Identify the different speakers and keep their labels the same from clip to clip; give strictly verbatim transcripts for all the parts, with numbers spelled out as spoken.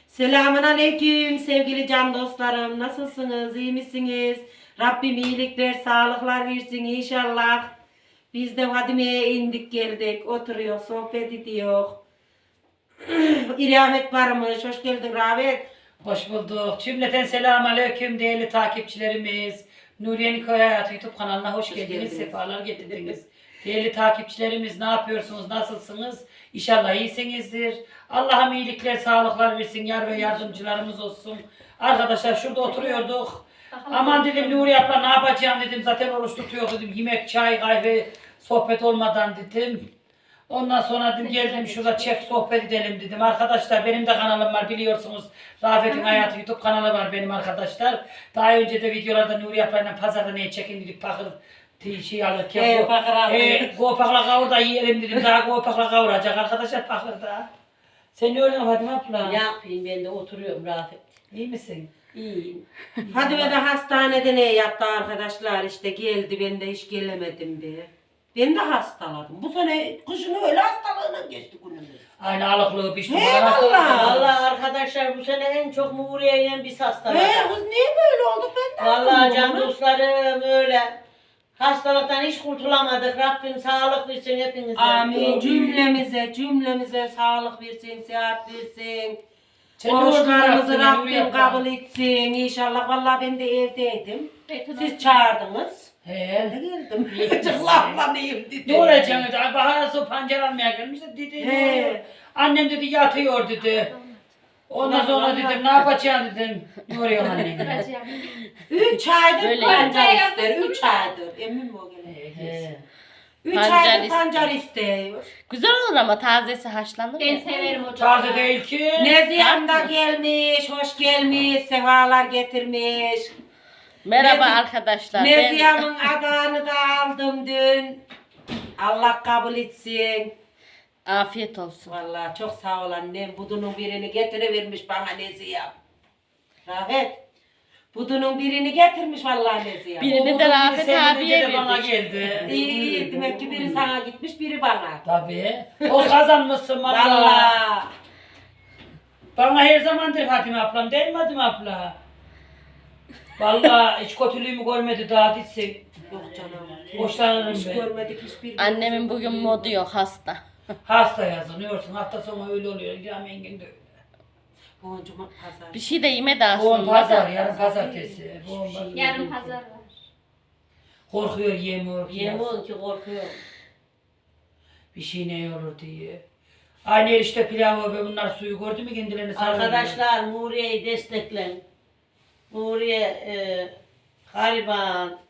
Speaker 1: Selamun aleyküm sevgili can dostlarım. Nasılsınız? İyi misiniz? Rabbim iyilikler, sağlıklar versin inşallah. Biz de Fadime'ye indik geldik. Oturuyor, sohbet ediyor. İrahmet varmış. Hoş geldin Rahmet.
Speaker 2: Hoş bulduk. Cümleten selamun aleyküm değerli takipçilerimiz. Nuriye'nin Köy Hayatı YouTube kanalına hoş,
Speaker 1: Hoş
Speaker 2: geldiniz.
Speaker 1: geldiniz.
Speaker 2: Sefalar getirdiniz. Değerli takipçilerimiz ne yapıyorsunuz? Nasılsınız? İnşallah iyisinizdir. Allah'ım iyilikler, sağlıklar versin. Yar ve yardımcılarımız olsun. Arkadaşlar şurada oturuyorduk. Aman dedim Nuriye abla ne yapacağım dedim. Zaten oruç tutuyor dedim. Yemek, çay, kahve, sohbet olmadan dedim. Ondan sonra dedim geldim şurada çek sohbet edelim dedim. Arkadaşlar benim de kanalım var biliyorsunuz. Rafet'in Hayatı YouTube kanalı var benim arkadaşlar. Daha önce de videolarda Nuri ablayla pazarda neye çekin dedik bakır şey alırken.
Speaker 1: He,
Speaker 2: go-
Speaker 1: bakır aldık.
Speaker 2: e, Gopakla kavur da yiyelim dedim. Daha gopakla kavuracak arkadaşlar bakırda. Sen ne öyle Fatma abla?
Speaker 3: Ne yapayım ben de oturuyorum Rafet.
Speaker 2: İyi misin?
Speaker 3: İyiyim.
Speaker 1: Fadime de hastanede ne yaptı arkadaşlar işte geldi. Ben de hiç gelemedim be. Ben de hastaladım. Bu sene kışın öyle hastalığına geçti günümüz.
Speaker 2: Aynı alıklığı pişti.
Speaker 1: He,
Speaker 2: Bana hastalık
Speaker 1: vallahi.
Speaker 2: oldu.
Speaker 3: Vallahi arkadaşlar bu sene en çok Muğriye'yle biz
Speaker 1: He
Speaker 3: hastaladık.
Speaker 1: kız niye böyle olduk ben de
Speaker 3: Vallahi
Speaker 1: anlamadım
Speaker 3: can
Speaker 1: onu.
Speaker 3: dostlarım öyle. Hastalıktan hiç kurtulamadık. Rabbim sağlık versin hepinize.
Speaker 1: Amin. Cümlemize, cümlemize sağlık versin, sıhhat versin.
Speaker 2: Sen ne oldun
Speaker 1: Oruçlarımızı
Speaker 2: yaptın ya, Nuri
Speaker 1: Rabbim
Speaker 2: abla?
Speaker 1: kabul etsin. İnşallah. Vallahi ben de evdeydim.
Speaker 4: Betona-
Speaker 1: Siz çağırdınız. Ben
Speaker 2: He.
Speaker 1: de geldim. Çıklanmayayım dedi.
Speaker 2: Ne olacak dedi. Bahar su pancar almaya gelmiş de dedi.
Speaker 1: He.
Speaker 2: Annem dedi yatıyor dedi. Ondan sonra dedim ne yapacaksın dedim. Ne oluyor anne?
Speaker 1: Üç aydır
Speaker 5: Böyle
Speaker 1: pancar
Speaker 4: yapıyor.
Speaker 1: ister. Üç aydır. Emin mi o gene?
Speaker 2: He.
Speaker 1: Üç
Speaker 5: Pancar
Speaker 1: aydır
Speaker 5: ister.
Speaker 1: pancar istiyor.
Speaker 5: Güzel olur ama tazesi haşlanır
Speaker 4: Ben
Speaker 5: ya.
Speaker 4: severim hocam.
Speaker 2: Taze değil ki.
Speaker 1: Neziham da gelmiş, hoş gelmiş, sefalar getirmiş.
Speaker 5: Merhaba
Speaker 1: Nezi-
Speaker 5: arkadaşlar. Ben
Speaker 1: Neziham'ın adağını da aldım dün. Allah kabul etsin.
Speaker 5: afiyet olsun.
Speaker 1: Vallahi çok sağ ol annem. Budunun birini getirivermiş bana Neziham. Rahmet. Budunun birini getirmiş vallahi Neziham.
Speaker 5: Birini de Rafet
Speaker 2: Senin
Speaker 5: abiye
Speaker 2: de bana
Speaker 5: verdik.
Speaker 2: geldi.
Speaker 1: İyi iyi. Demek ki biri sana gitmiş, biri bana.
Speaker 2: Tabii. O kazanmışsın valla.
Speaker 1: Vallahi.
Speaker 2: Bana her zamandır Fatime ablam değil mi Fatime abla? Valla hiç kötülüğümü görmedi daha ditsin.
Speaker 1: Yok canım.
Speaker 2: Hoşlanırım
Speaker 1: Hiç
Speaker 2: ben.
Speaker 1: görmedik hiçbir.
Speaker 5: Annemin bugün modu yok, hasta.
Speaker 2: Hasta yazılıyorsun. Hafta sonu öyle oluyor. İlham Engin de öyle.
Speaker 1: Bu cuma pazar.
Speaker 5: Bir şey de yemedi
Speaker 2: Bugün
Speaker 5: aslında.
Speaker 2: pazar, yarın pazartesi. Bugün pazar.
Speaker 4: Yarın pazar var.
Speaker 2: Korkuyor yemiyor.
Speaker 3: Yemin ki korkuyorum.
Speaker 2: Bir şey ne olur diye. Aynı erişte pilavı ve bunlar suyu gördü mü kendilerini sarılıyor.
Speaker 3: Arkadaşlar Muğriye'yi desteklen. Muğriye e, gariban.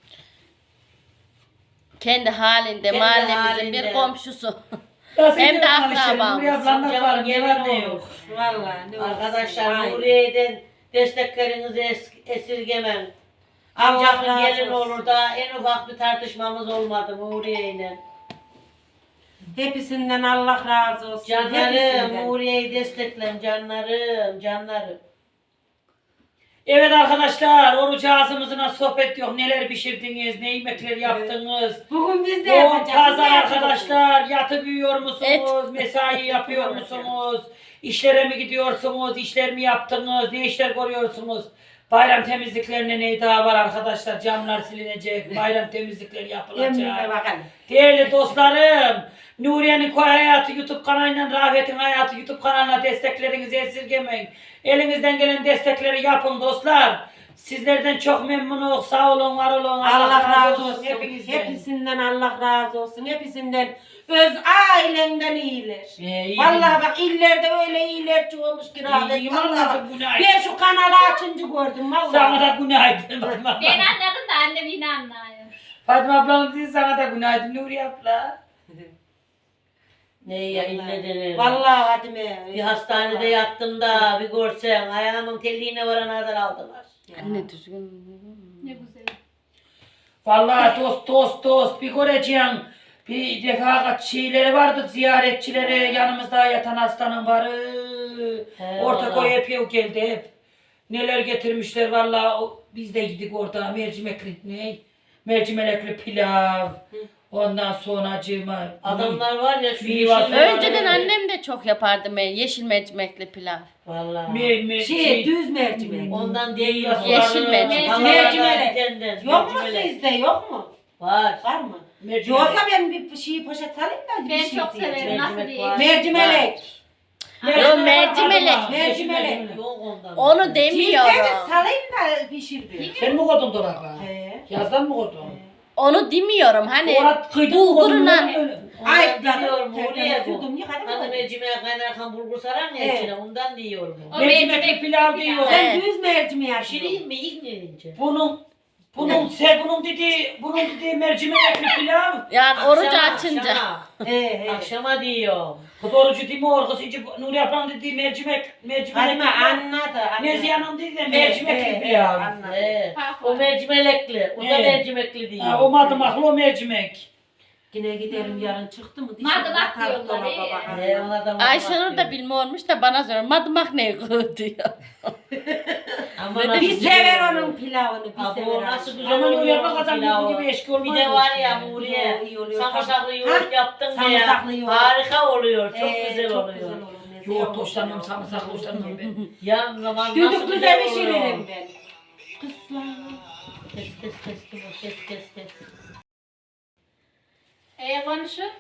Speaker 5: Kendi halinde,
Speaker 3: Kendi
Speaker 5: mahallemizin
Speaker 3: halinde.
Speaker 5: bir komşusu.
Speaker 2: Ya sen
Speaker 5: Hem de
Speaker 2: de konuşalım,
Speaker 5: akrabamız.
Speaker 2: Nuriye ablanla
Speaker 3: Canım
Speaker 2: var, ne var ne
Speaker 3: gelin
Speaker 2: yok.
Speaker 3: olur.
Speaker 1: Vallahi ne olsun.
Speaker 3: Arkadaşlar
Speaker 1: Aynen.
Speaker 3: Muğriye'den desteklerinizi es esirgemem.
Speaker 1: Allah
Speaker 3: Amcamın
Speaker 1: razı
Speaker 3: gelin
Speaker 1: olsun.
Speaker 3: olur da en ufak bir tartışmamız olmadı Muğriye'yle.
Speaker 1: Hepsinden Allah razı olsun.
Speaker 3: Canlarım,
Speaker 1: Hepsinden.
Speaker 3: Muğriye'yi desteklen canlarım, canlarım.
Speaker 2: Evet arkadaşlar, oruç ağzımızla sohbet yok. Neler pişirdiniz, ne yemekler yaptınız.
Speaker 1: Bugün biz de
Speaker 2: Bugün
Speaker 1: yapacağız.
Speaker 2: pazar
Speaker 1: Ne yapacağız?
Speaker 2: arkadaşlar, yatıp uyuyor musunuz,
Speaker 5: Et.
Speaker 2: mesai yapıyor musunuz, işlere mi gidiyorsunuz, işler mi yaptınız, ne işler görüyorsunuz? Bayram temizliklerine ne daha var arkadaşlar, camlar silinecek, bayram temizlikleri
Speaker 1: Emrine
Speaker 2: yapılacak.
Speaker 1: bakalım.
Speaker 2: Değerli dostlarım, Nuriye'nin Köy Hayatı YouTube kanalıyla Rafet'in Hayatı YouTube kanalına desteklerinizi esirgemeyin. Elinizden gelen destekleri yapın dostlar. Sizlerden çok memnunum. Sağ olun, var olun.
Speaker 1: Allah razı olsun.
Speaker 2: Hepinizden.
Speaker 1: Hepsinden Allah razı olsun. Hepsinden öz ailenden iyiler.
Speaker 2: Ee, iyi
Speaker 1: Vallahi bak illerde öyle iyiler çoğulmuş ki rahmet.
Speaker 2: İyi,
Speaker 1: Vallahi
Speaker 2: vallahi
Speaker 1: bak.
Speaker 2: bu ne ay-
Speaker 1: Ben şu kanalı açınca gördüm vallahi.
Speaker 2: Sana da günaydın.
Speaker 4: Ben anladım da annem yine anlıyor.
Speaker 2: Fatma ablanın değil, sana da günaydın Nuriye abla.
Speaker 3: Ne ya ille denir.
Speaker 1: Vallahi Fadime.
Speaker 3: Bir hastanede yattım da bir görsen ayağımın telliğine varana kadar aldılar.
Speaker 5: Anne düzgün.
Speaker 4: Ne güzel.
Speaker 2: Vallahi dost dost dost bir göreceğim. Bir defa kaç şeyleri vardı ziyaretçileri yanımızda yatan hastanın varı.
Speaker 3: He,
Speaker 2: Ortaköy
Speaker 3: vallahi.
Speaker 2: hep yok geldi hep. Neler getirmişler vallahi o- biz de yedik orada mercimekli ne? Mercimekli pilav. Ondan sonra acıma.
Speaker 3: Adamlar var ya şu
Speaker 2: Meyve
Speaker 3: yeşil
Speaker 2: suyu.
Speaker 5: Önceden annem de çok yapardı me- yeşil mercimekli pilav.
Speaker 3: Vallahi.
Speaker 2: Me, me,
Speaker 1: Şey, düz mercimek.
Speaker 3: Ondan değil.
Speaker 5: Yeşil mercimek.
Speaker 3: Vallahi
Speaker 1: Mercimek.
Speaker 3: mercimek.
Speaker 1: Yok mu sizde, yok mu?
Speaker 3: Var.
Speaker 1: Var mı?
Speaker 2: mercimek.
Speaker 1: Yoksa ben bir şey poşet alayım da bir
Speaker 4: Ben
Speaker 1: şey
Speaker 4: çok
Speaker 1: diyeceğim.
Speaker 4: severim. Nasıl
Speaker 3: Mercimek
Speaker 4: diyeyim?
Speaker 3: var.
Speaker 1: Mercimek.
Speaker 5: Yo, mercimek.
Speaker 1: Mercimek.
Speaker 3: Yok ondan.
Speaker 5: Onu
Speaker 1: Ciltleri
Speaker 5: demiyorum.
Speaker 1: salayım da pişir bir.
Speaker 2: Sen mi koydun dolaba?
Speaker 1: He.
Speaker 2: Yazdan mı koydun?
Speaker 5: Onu demiyorum. Hani
Speaker 2: Orat kıydın mı koydun?
Speaker 5: bulgurla
Speaker 1: Ay,
Speaker 3: Ay biliyorum
Speaker 1: tertemiz
Speaker 3: oraya bu.
Speaker 1: yudum yıkadım
Speaker 3: Hani
Speaker 1: mı?
Speaker 3: mercimeğe kaynarken bulgur sarar ya
Speaker 1: Evet.
Speaker 3: içine ondan diyorum.
Speaker 4: O
Speaker 2: Mercimekli pilav diyor.
Speaker 5: Evet.
Speaker 1: Sen düz mercimeği
Speaker 3: Pişireyim
Speaker 1: yapıyorsun.
Speaker 3: mi ilk mi ince?
Speaker 2: Bunun bunun sen bunun dediği bunun dediği mercimekli pilav.
Speaker 5: yani orucu
Speaker 3: Akşama,
Speaker 5: açınca.
Speaker 3: Akşama,
Speaker 1: He he.
Speaker 3: akşama diyorum.
Speaker 2: Kız orucu değil mi or? Kız iyice Nuri ablam dediği mercimek mercimek.
Speaker 1: Hadi mi anladı.
Speaker 2: Nezihe Hanım dedi de
Speaker 1: He, he,
Speaker 2: mercimekli
Speaker 1: he,
Speaker 2: pilav.
Speaker 1: anladım.
Speaker 3: Evet.
Speaker 4: Fark
Speaker 3: O
Speaker 4: var.
Speaker 3: mercimekli. O da
Speaker 2: Evet.
Speaker 3: mercimekli diyor.
Speaker 2: Ha, o madımaklı o mercimek.
Speaker 1: Yine giderim yarın çıktı mı?
Speaker 4: Madımak
Speaker 1: Dişim atar,
Speaker 4: diyorlar,
Speaker 1: dolaba
Speaker 4: iyi.
Speaker 1: bakarım.
Speaker 3: He, ona da
Speaker 5: Ayşenur da bilmiyormuş da bana soruyor. Madımak ne kız diyor.
Speaker 3: Ama
Speaker 5: Bir
Speaker 3: nasıl
Speaker 1: Bir
Speaker 3: güzel
Speaker 1: sever
Speaker 3: oluyor.
Speaker 1: onun pilavını, bir
Speaker 3: Abi
Speaker 1: sever.
Speaker 3: o nasıl
Speaker 1: Ayşe.
Speaker 3: güzel
Speaker 2: Ama Nuri
Speaker 3: oluyor
Speaker 2: abla
Speaker 3: o
Speaker 2: kazan
Speaker 3: pilavı.
Speaker 2: bu gibi eşki olmaz.
Speaker 3: Bir de var ya
Speaker 2: yani.
Speaker 3: Nuriye.
Speaker 1: İyi oluyor.
Speaker 3: Samırsaklı
Speaker 1: Ha?
Speaker 3: yoğurt yaptın diye.
Speaker 1: Samırsaklı yoğurt.
Speaker 3: Harika oluyor. Çok
Speaker 1: Ee,
Speaker 3: güzel
Speaker 1: çok
Speaker 3: oluyor.
Speaker 1: güzel olur. Nezihe
Speaker 2: Yoğurt
Speaker 1: olur.
Speaker 2: hoşlanmıyorum, sarımsaklı hoşlanmıyorum ben.
Speaker 3: Ya zaman nasıl
Speaker 1: Düdüklü de
Speaker 3: güzel
Speaker 1: pişiririm
Speaker 3: oluyor.
Speaker 1: ben. Kızlar.
Speaker 3: Kes kes kes kes kes kes kes.
Speaker 4: Ee, konuşun.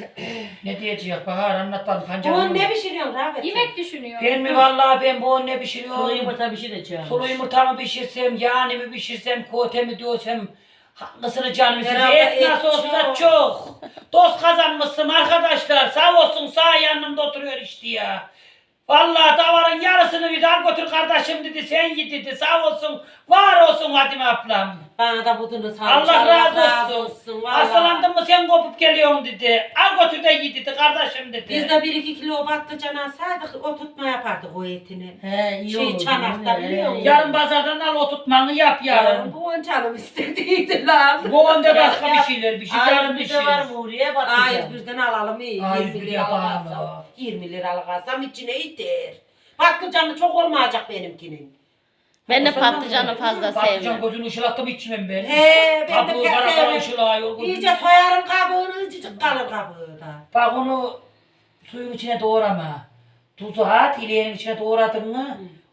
Speaker 2: Ne diyecek Bahar anlat bana
Speaker 1: Bu
Speaker 2: pancarını.
Speaker 1: ne pişiriyorsun Rahmet?
Speaker 4: Yemek düşünüyorum.
Speaker 2: Ben mi vallahi ben bu ne
Speaker 3: Sulu
Speaker 2: pişiriyorum?
Speaker 3: yumurta pişireceğim.
Speaker 2: Sulu yumurta mı pişirsem, yağını mı pişirsem, kote mi diyorsam hangisini canım size?
Speaker 1: Herhalde
Speaker 2: Et
Speaker 1: et
Speaker 2: nasıl olsa
Speaker 1: çok.
Speaker 2: çok. Dost kazanmışsın arkadaşlar. Sağ olsun sağ yanımda oturuyor işte ya. Vallahi davarın yarısını bir dar götür kardeşim dedi, sen git dedi. Sağ olsun, var olsun Fatime ablam.
Speaker 1: Bana da budunu sağ
Speaker 2: Allah razı olsun.
Speaker 1: vallahi.
Speaker 2: Hastalandın mı sen kopup geliyorsun dedi. Al götür de ye dedi kardeşim dedi.
Speaker 1: Biz de bir iki kilo patlıcan alsaydık o tutma yapardık o etini.
Speaker 3: He iyi
Speaker 1: Şey,
Speaker 3: olur.
Speaker 1: çanakta
Speaker 3: He,
Speaker 1: biliyor musun?
Speaker 3: iyi
Speaker 2: Yarın
Speaker 3: olur.
Speaker 2: pazardan al o tutmanı yap yarın.
Speaker 1: Bu on canım istediydi lan.
Speaker 2: Bu onda
Speaker 3: Ya,
Speaker 2: başka
Speaker 3: ya.
Speaker 2: bir şeyler bir şey
Speaker 3: Ay
Speaker 2: yarın bir
Speaker 3: bir
Speaker 2: şey.
Speaker 3: de var Nuriye bak.
Speaker 1: A yüz birden alalım iyi.
Speaker 2: A yüz
Speaker 1: yirmi
Speaker 2: bir
Speaker 1: lira
Speaker 2: yapalım.
Speaker 1: alsam. yirmi liralık alsam içine yeter. Patlıcanı çok olmayacak benimkinin.
Speaker 5: Ben de
Speaker 2: O zaman
Speaker 5: patlıcanı fazla
Speaker 2: Patlıcan
Speaker 5: sevmem.
Speaker 2: gözünü ışılattım içmem ben.
Speaker 1: He ben de
Speaker 2: Kabuğu
Speaker 1: pek
Speaker 2: kara kara
Speaker 1: sevmem.
Speaker 2: ışılıyor.
Speaker 1: İyice soyarım kabuğunu, ıcıcık kalır kabuğu da.
Speaker 2: Bak onu suyun içine doğrama. Tuzu at, ileğinin içine doğradın mı?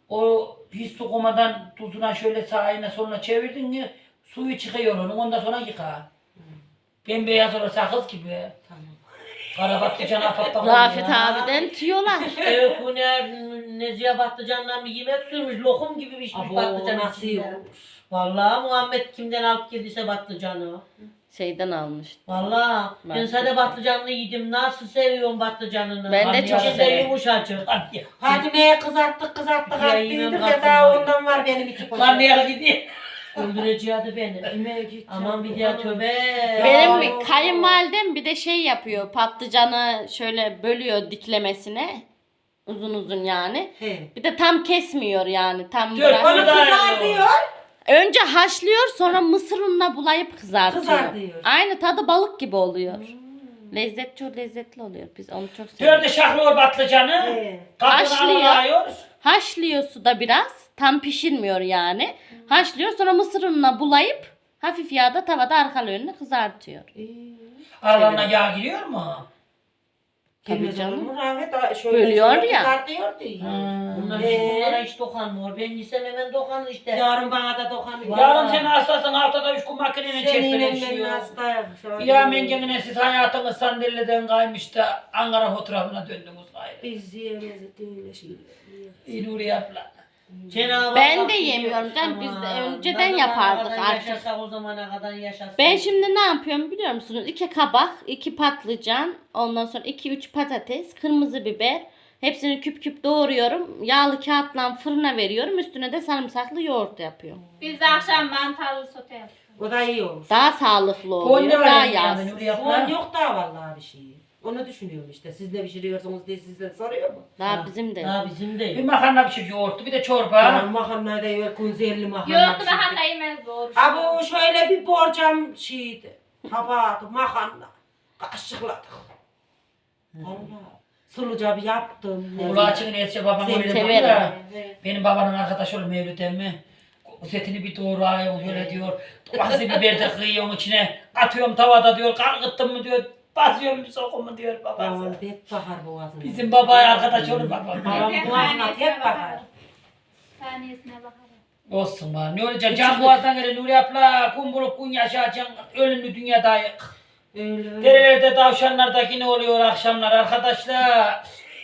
Speaker 2: O hiç su koymadan tuzuna şöyle sağına soluna çevirdin mi? Suyu çıkıyor onun, ondan sonra yıka. Bembeyaz olur sakız gibi.
Speaker 1: Tamam.
Speaker 2: Kara patlıcan apattan
Speaker 5: Rafet abiden tüyolar.
Speaker 3: Evet bu ne Nezihe patlıcandan bir yemek sürmüş. Lokum gibi pişmiş
Speaker 1: Abo
Speaker 3: patlıcan
Speaker 1: nasıl
Speaker 3: içinde.
Speaker 1: yiyormuş.
Speaker 3: Vallahi Muhammed kimden alıp geldiyse patlıcanı.
Speaker 5: Şeyden almıştı.
Speaker 3: Vallahi ben
Speaker 5: Marketten.
Speaker 3: sade patlıcanını yedim. Nasıl seviyorum patlıcanını.
Speaker 5: Ben de çok
Speaker 3: İçinde
Speaker 5: severim.
Speaker 3: yumuşacık.
Speaker 1: Fatime'ye kızarttık kızarttık
Speaker 3: Ya
Speaker 1: attıydık
Speaker 3: yine
Speaker 1: ya
Speaker 3: kalktım
Speaker 1: daha
Speaker 3: ben.
Speaker 1: ondan var benim iki poşet.
Speaker 2: Karnıyarı gidiyor.
Speaker 3: Öldüreceğiydi beni.
Speaker 1: Yemeğe gideceğim.
Speaker 3: Aman bir daha tövbe.
Speaker 5: Benim
Speaker 1: Ya.
Speaker 5: bir kayınvalidem bir de şey yapıyor. Patlıcanı şöyle bölüyor diklemesine. Uzun uzun yani.
Speaker 1: He.
Speaker 5: Bir de tam kesmiyor yani. Tam
Speaker 2: Dört
Speaker 5: bırak-
Speaker 1: Onu
Speaker 2: Kızar
Speaker 1: kızar
Speaker 2: diyor.
Speaker 1: diyor.
Speaker 5: Önce haşlıyor sonra mısır ununa bulayıp kızartıyor.
Speaker 1: Kızartıyor.
Speaker 5: Aynı tadı balık gibi oluyor. Lezzet çok lezzetli oluyor. Biz onu çok seviyoruz.
Speaker 2: Dörde şahlıyor patlıcanı.
Speaker 1: He.
Speaker 2: Kabuğunu
Speaker 5: Haşlıyor.
Speaker 2: alıyor.
Speaker 5: Haşlıyor suda biraz. Tam pişirmiyor yani. Haşlıyor sonra mısır ununa bulayıp hafif yağda tavada arka önüne kızartıyor.
Speaker 2: Aralarına yağ giriyor mu?
Speaker 5: Tabii
Speaker 1: Tabii
Speaker 5: canım.
Speaker 1: canım. Rahmet şöyle
Speaker 5: Bölüyor
Speaker 1: şöyle
Speaker 5: ya.
Speaker 1: kızartıyor diyor.
Speaker 3: Bunlar,
Speaker 1: Ee?
Speaker 3: bunlara hiç dokanmıyor. Ben yesem hemen dokanır işte.
Speaker 1: Yarın bana da dokanıyor.
Speaker 2: Yarın sen hastasın haftada üç gün makinenin
Speaker 1: Seninle ben
Speaker 2: çekmeleşiyor.
Speaker 1: hastayım.
Speaker 2: Ya mengenine siz hayatınız sandalyeden kaymış da Ankara fotoğrafına döndünüz gayrı.
Speaker 1: Biz yiyemeyiz öyle şeyler.
Speaker 2: İyi Nuri abla.
Speaker 3: Cenab-ı
Speaker 5: Ben
Speaker 3: Allah
Speaker 5: de
Speaker 3: biliyor.
Speaker 5: yemiyorum canım, biz de
Speaker 3: Aman,
Speaker 5: önceden
Speaker 3: ne zamana
Speaker 5: yapardık
Speaker 3: kadar
Speaker 5: artık.
Speaker 3: Yaşasak o zamana kadar yaşasak.
Speaker 5: Ben şimdi ne yapıyorum biliyor musunuz? İki kabak, iki patlıcan, ondan sonra iki üç patates, kırmızı biber. Hepsini küp küp doğruyorum. Yağlı kağıtla fırına veriyorum. Üstüne de sarımsaklı yoğurt yapıyorum.
Speaker 4: Biz de akşam mantarlı sote yapıyoruz.
Speaker 1: O da iyi olur.
Speaker 5: Daha sağlıklı
Speaker 2: Bu
Speaker 5: oluyor.
Speaker 2: ne
Speaker 5: Daha
Speaker 2: var yani
Speaker 5: yağsız.
Speaker 2: Nuri
Speaker 1: Soğan
Speaker 2: abla?
Speaker 1: yok daha vallahi bir şey. Onu düşünüyorum işte. Siz ne pişiriyorsunuz diye sizden soruyor mu?
Speaker 5: Daha bizim de.
Speaker 3: Ha bizim
Speaker 2: Bir
Speaker 3: değil.
Speaker 2: makarna pişir yoğurtlu bir de
Speaker 1: Ben
Speaker 2: çorba.
Speaker 1: makarnayı da yok. Kunzerli makarna
Speaker 4: Yoğurtlu
Speaker 1: pişirdik.
Speaker 4: makarna yemez doğru.
Speaker 1: Ha bu şöyle bir borcam şeydi. Tabağı, makarna. Kaşıkladık. Vallahi. Suluca bir yaptım.
Speaker 2: Ulu açığın etse babam
Speaker 5: Seni
Speaker 2: öyle
Speaker 5: severim.
Speaker 2: diyor ya.
Speaker 1: Evet.
Speaker 2: Benim babanın arkadaşı olur Mevlüt emmi. Setini bir doğrayın şöyle diyor. Domatesi biber de kıyıyorsun içine. atıyorum tavada diyor. Kalkıttın mı diyor. Basıyorum bir sokumu diyor babası.
Speaker 1: Babam bet bakar boğazına.
Speaker 2: Bizim babaya arkadaş olur babam.
Speaker 1: Babam
Speaker 4: Neyse,
Speaker 1: boğazına
Speaker 4: saniyesine
Speaker 1: hep bakar.
Speaker 4: bakarım. Saniyesine bakarım.
Speaker 2: Olsun var. Ne olacak? Can boğazdan gelir. Nuri abla kum bulup kun yaşayacaksın. Ölümlü dünyadayız.
Speaker 1: Öyle öyle.
Speaker 2: Derelerde tavşanlardaki ne oluyor akşamlar arkadaşlar?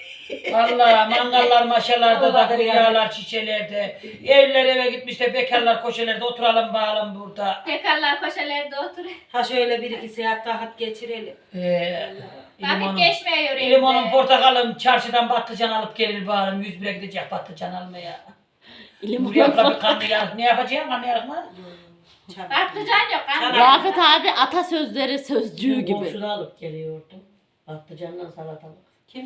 Speaker 2: Valla mangallar maşalarda da
Speaker 1: Olabilir
Speaker 2: kuyuyalar çiçelerde. Evliler eve gitmiş de bekarlar koşelerde oturalım bağalım burada.
Speaker 4: Tekrarlar koşalarda oturuyor.
Speaker 1: Ha şöyle bir iki saat rahat geçirelim.
Speaker 2: Ee,
Speaker 4: Vakit
Speaker 2: limonun,
Speaker 4: geçmiyor
Speaker 2: limonun
Speaker 4: evde.
Speaker 2: portakalım çarşıdan patlıcan alıp gelir bağalım. Yüz bire gidecek patlıcan almaya.
Speaker 5: Limon
Speaker 2: Nuri abla bir kanlı yarık. Ne yapacaksın kanlı yarık mı?
Speaker 4: Patlıcan yok. Kan
Speaker 5: Rafet abi atasözleri sözcüğü gibi.
Speaker 3: Komşuda alıp geliyordum. Patlıcanla salatalık.
Speaker 1: Kim?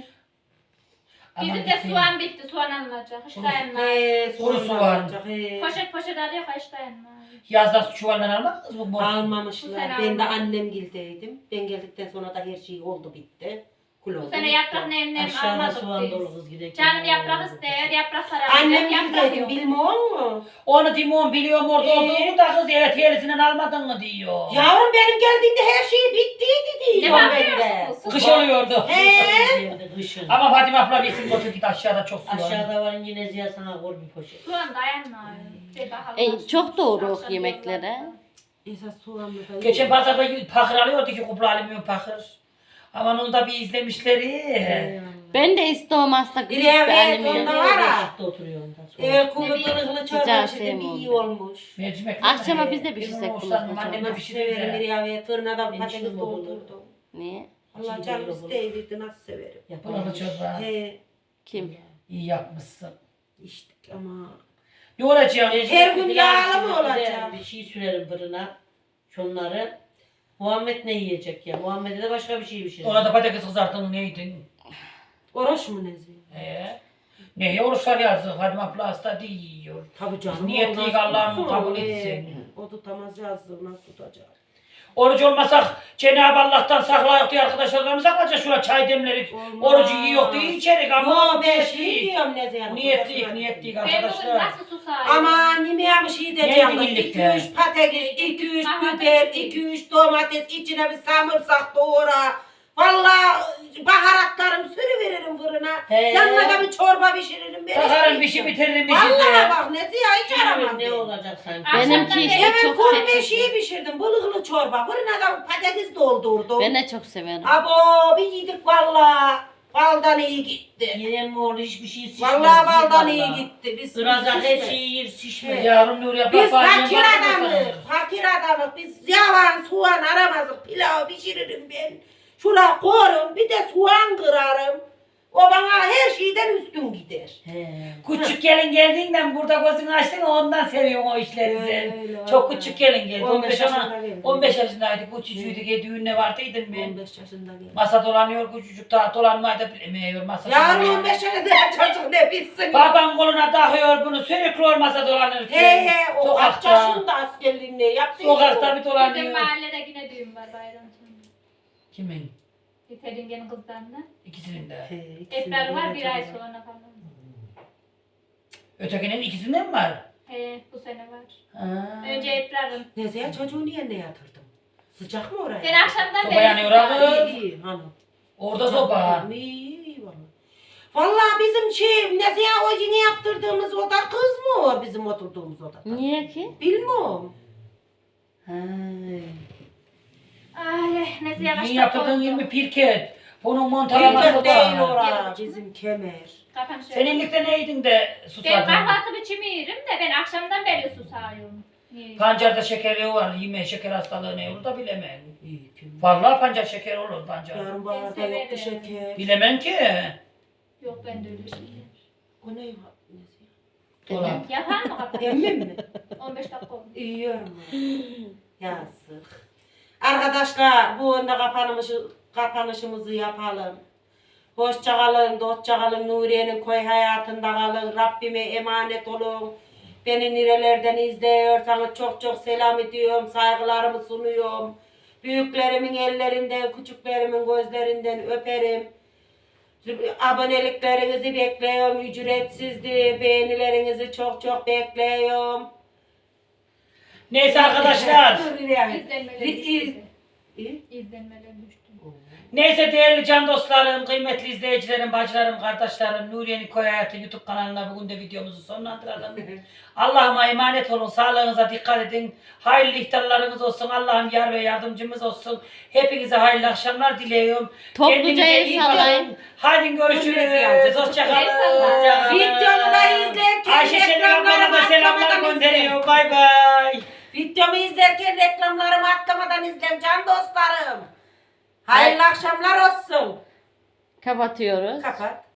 Speaker 2: Aman
Speaker 4: Bizim de
Speaker 2: gitmeyin.
Speaker 4: soğan bitti. Soğan alınacak. Hiç dayanmaz.
Speaker 1: He,
Speaker 2: Kuru
Speaker 1: sonra
Speaker 2: soğan.
Speaker 1: olacak, he.
Speaker 4: Poşet poşet arıyor. Hiç dayanmaz.
Speaker 2: Yazdan su çuvaldan almadınız mı? Bu
Speaker 1: Almamışlar.
Speaker 4: Bu sene
Speaker 1: Ben de
Speaker 4: almadım.
Speaker 1: annemgildeydim. Ben geldikten sonra da her şey oldu bitti. Kul oldu.
Speaker 4: Bu sene
Speaker 1: bitti.
Speaker 4: yaprak nem nem
Speaker 3: Aşağıda
Speaker 4: almadık
Speaker 3: soğan dolu
Speaker 4: biz.
Speaker 3: kız giderken.
Speaker 4: Canım yaprak ister. Yaprak sarabilir.
Speaker 1: Annem
Speaker 4: Yaprak
Speaker 1: gildeydim
Speaker 4: yok.
Speaker 1: bilmiyor musun?
Speaker 2: Onu Dimon biliyorum orada
Speaker 1: Ee?
Speaker 2: olduğunu da kız evet yerisinden almadın mı diyor.
Speaker 1: Yavrum benim geldiğimde her şey bittiydi
Speaker 4: Ne
Speaker 1: diyor ben de.
Speaker 4: bakıyorsunuz?
Speaker 2: Kış oluyordu.
Speaker 3: He. Kışın.
Speaker 2: Ama Fatime abla bilsin götür git aşağıda çok su var.
Speaker 3: Aşağıda var yine Ziya sana koy bir poşet.
Speaker 4: Soğan dayanmaz. Bir bakalım.
Speaker 5: E, çok doğru
Speaker 4: Akşam
Speaker 5: yemeklere.
Speaker 4: yollarda.
Speaker 1: Esas soğanlı da
Speaker 2: Geçen pazarda pakır alıyordu ki kupra almıyor pakır. Ama onu da bir izlemişleri.
Speaker 5: Ben de istiyorum aslında küçük bir
Speaker 1: Evet,
Speaker 5: annem
Speaker 1: onda
Speaker 5: yani.
Speaker 1: var ha.
Speaker 3: Işıkta oturuyor onda. sonra.
Speaker 1: Evet, kuru
Speaker 4: Ne bileyim,
Speaker 1: kırıklı
Speaker 5: sıcağı
Speaker 1: çorba içinde
Speaker 5: sevmiyorum
Speaker 1: iyi
Speaker 5: ben.
Speaker 1: olmuş.
Speaker 2: Mercimek.
Speaker 5: Akşama biz de
Speaker 2: Bizim
Speaker 5: pişirsek
Speaker 2: hoşlanmam,
Speaker 5: bunu.
Speaker 2: annem de
Speaker 1: Nasıl severim
Speaker 2: pişirir.
Speaker 1: bir yavruya tırnada
Speaker 3: Ben
Speaker 1: patates
Speaker 3: şimdi
Speaker 1: doldurdum.
Speaker 5: Niye?
Speaker 1: Allah
Speaker 3: Şimdi
Speaker 1: canım
Speaker 3: böyle
Speaker 1: isteyirdi nasıl severim.
Speaker 2: Burada çorba.
Speaker 1: He
Speaker 5: Kim?
Speaker 2: İyi yapmışsın.
Speaker 1: işte ama.
Speaker 2: Ne olacak?
Speaker 1: Her gün
Speaker 3: Bir
Speaker 1: yağlı mı
Speaker 3: bir de
Speaker 1: olacak?
Speaker 3: Bir şey sürerim fırına. Şunları. Muhammed ne yiyecek ya? Muhammed'e de başka bir şey pişirir.
Speaker 2: Ona da patates kızarttın neydin?
Speaker 1: Oruç mu nezi?
Speaker 2: Ee, ne oruçlar yazdı. Fatime abla hasta diyor.
Speaker 1: Tabii canım.
Speaker 2: Biz niyetliyiz,
Speaker 1: o nasıl
Speaker 2: Allah'ım
Speaker 1: tutsun?
Speaker 2: kabul
Speaker 1: He,
Speaker 2: etsin.
Speaker 1: O tutamaz yazdı nasıl tutacak?
Speaker 2: Oruç olmasak Cenab-ı Allah'tan saklayıp diye arkadaşlarımız saklayacak şuna çay demlerik.
Speaker 1: Olmaz.
Speaker 2: Orucu yiyor diye içerik ama
Speaker 1: Yo ben şey
Speaker 2: niyetliyiz.
Speaker 1: diyorum nezi yani.
Speaker 2: Niyetliyiz, niyetliyiz
Speaker 4: Ben bugün
Speaker 2: arkadaşlar.
Speaker 4: nasıl susayım?
Speaker 1: Aman yemeğe bir şey diyeceğim.
Speaker 2: Neydi
Speaker 1: kız.
Speaker 2: birlikte?
Speaker 1: iki üç patates, iki üç
Speaker 4: Aha,
Speaker 1: biber,
Speaker 4: peki.
Speaker 1: iki üç domates, içine bir samırsak doğra. Vallahi baharatlarımı sürüveririm fırına.
Speaker 3: He.
Speaker 1: Yanına da bir çorba pişiririm. Ben
Speaker 2: Bakarım bir
Speaker 1: hiç
Speaker 2: şey
Speaker 1: yiyeceğim.
Speaker 2: bitiririm bir
Speaker 1: Vallahi
Speaker 2: şey.
Speaker 1: bak ne diye hiç aramam.
Speaker 3: Ne
Speaker 1: ben.
Speaker 3: olacak sanki?
Speaker 5: Benimki işte
Speaker 1: Evet
Speaker 5: çok
Speaker 1: kuru
Speaker 5: seçici.
Speaker 1: beşiği pişirdim. Bılıklı çorba. Fırına da patates doldurdum.
Speaker 5: Ben de çok severim.
Speaker 1: Abo bir yedik vallahi. Baldan iyi gitti.
Speaker 3: Yine mi oldu hiçbir şey şişmez.
Speaker 1: Vallahi baldan
Speaker 3: vallahi.
Speaker 1: iyi gitti. Biz
Speaker 3: Irazak her
Speaker 1: şişmez.
Speaker 3: şeyi yer şişmez.
Speaker 2: Yavrum Nuri abla
Speaker 1: Biz
Speaker 2: bacım
Speaker 1: fakir
Speaker 2: bakma
Speaker 1: adamız,
Speaker 2: sana.
Speaker 1: fakir adamız. Biz yavan soğan aramazdık. Pilav pişiririm ben. Şuna koyarım, bir de soğan kırarım. O bana her şeyden üstün gider.
Speaker 3: He.
Speaker 2: Küçük gelin geldiğinden burada gözünü açtın ondan seviyorum o işleri sen.
Speaker 1: Öyle,
Speaker 2: Çok
Speaker 1: öyle.
Speaker 2: küçük gelin geldi.
Speaker 1: on beş
Speaker 2: on beş
Speaker 1: yaşında
Speaker 2: ama
Speaker 1: geldi.
Speaker 2: on beş yaşındaydı. Küçücüydü ki düğününe vardıydım ben.
Speaker 1: on beş yaşında geldi.
Speaker 2: Masa dolanıyor küçücük daha dolanmayı da bilemiyor masa.
Speaker 1: Yarın
Speaker 2: dolanıyor.
Speaker 1: on beş yaşında çocuk ne bilsin.
Speaker 2: Baban koluna takıyor bunu sürekli masa dolanırken.
Speaker 1: He he o kaç
Speaker 2: Sokakta.
Speaker 1: yaşında askerliğini yaptı.
Speaker 2: Sokakta bir
Speaker 4: Bizim
Speaker 2: dolanıyor.
Speaker 4: mahallede yine düğün var bayram sonu.
Speaker 2: Kimin?
Speaker 4: Yetelingenin kızlarına.
Speaker 2: İkisinin de.
Speaker 4: Ebrar var bir ay sonra falan.
Speaker 2: Ötekinin ikisinden mi var?
Speaker 4: He bu sene var.
Speaker 2: Ha.
Speaker 4: Önce Ebrar'ın.
Speaker 1: Neyse ya çocuğu niye ne yatırdım? Sıcak mı oraya?
Speaker 4: Ben akşamdan
Speaker 2: Soba
Speaker 4: beri
Speaker 2: yanıyor
Speaker 4: susayım.
Speaker 2: abi.
Speaker 1: İyi iyi hanım.
Speaker 2: Orada soba.
Speaker 1: İyi iyi vallahi. Vallahi bizim şey neyse ya o yeni yaptırdığımız oda kız mı o bizim oturduğumuz oda?
Speaker 5: Niye ki?
Speaker 1: Bilmiyorum.
Speaker 2: Ha.
Speaker 4: Ay neyse yavaş.
Speaker 2: Yeni yaptırdığın yirmi pirket. Bunun montalaması
Speaker 1: Bilmiyorum değil
Speaker 2: var.
Speaker 1: ora bizim kemer.
Speaker 4: Kapan şöyle.
Speaker 2: Seninlikte neydin de
Speaker 4: Ben
Speaker 2: susadın?
Speaker 4: kahvaltı biçimi yerim de ben akşamdan beri susayım. Niye?
Speaker 2: Pancarda şekeri var. Yeme şeker hastalığı ne olur da bilemem.
Speaker 1: İyi kemer.
Speaker 2: Vallahi pancar şeker olur pancar.
Speaker 1: Yarın baharda
Speaker 4: severim.
Speaker 1: yoktu şeker.
Speaker 2: Bilemem ki.
Speaker 4: Yok ben de öyle şey.
Speaker 1: O ne var? Neyse.
Speaker 2: Dolap.
Speaker 4: Yapar mı kapan?
Speaker 1: Emmim mi?
Speaker 4: on beş dakika oldu.
Speaker 1: Yiyorum. Yazık. Arkadaşlar bu onda kapanışı, kapanışımızı yapalım. Hoşça kalın, dostça kalın, Nuriye'nin koy hayatında kalın. Rabbime emanet olun. Beni nerelerden izliyorsanız çok çok selam ediyorum, saygılarımı sunuyorum. Büyüklerimin ellerinden, küçüklerimin gözlerinden öperim. Aboneliklerinizi bekliyorum, ücretsizdir. Beğenilerinizi çok çok bekliyorum.
Speaker 2: Neyse arkadaşlar.
Speaker 1: Dur, yani.
Speaker 4: İzlenmeleri
Speaker 1: İz-
Speaker 4: size.
Speaker 1: İyi.
Speaker 4: İzlenmeler düştü.
Speaker 2: Neyse değerli can dostlarım, kıymetli izleyicilerim, bacılarım, kardeşlerim, Nuriye'nin Köy Hayatı YouTube kanalına bugün de videomuzu sonlandıralım. Allah'ıma emanet olun, sağlığınıza dikkat edin. Hayırlı iftarlarınız olsun, Allah'ım yar ve yardımcımız olsun. Hepinize hayırlı akşamlar diliyorum.
Speaker 5: Topluca
Speaker 2: Kendinize
Speaker 5: el
Speaker 2: iyi
Speaker 5: sallayın.
Speaker 2: bakın. Hadi görüşürüz.
Speaker 4: El
Speaker 2: Hoşçakalın.
Speaker 4: sallayın.
Speaker 1: Videomu da izlerken
Speaker 2: Ayşe Çelik ablana da
Speaker 1: reklamlarımı
Speaker 2: selamlar
Speaker 1: atlamadan izleyin.
Speaker 2: gönderiyor. Bay bay.
Speaker 1: Videomu izlerken reklamlarımı atlamadan izleyin can dostlarım. Hayırlı akşamlar olsun.
Speaker 5: Kapatıyoruz.
Speaker 1: Kapat.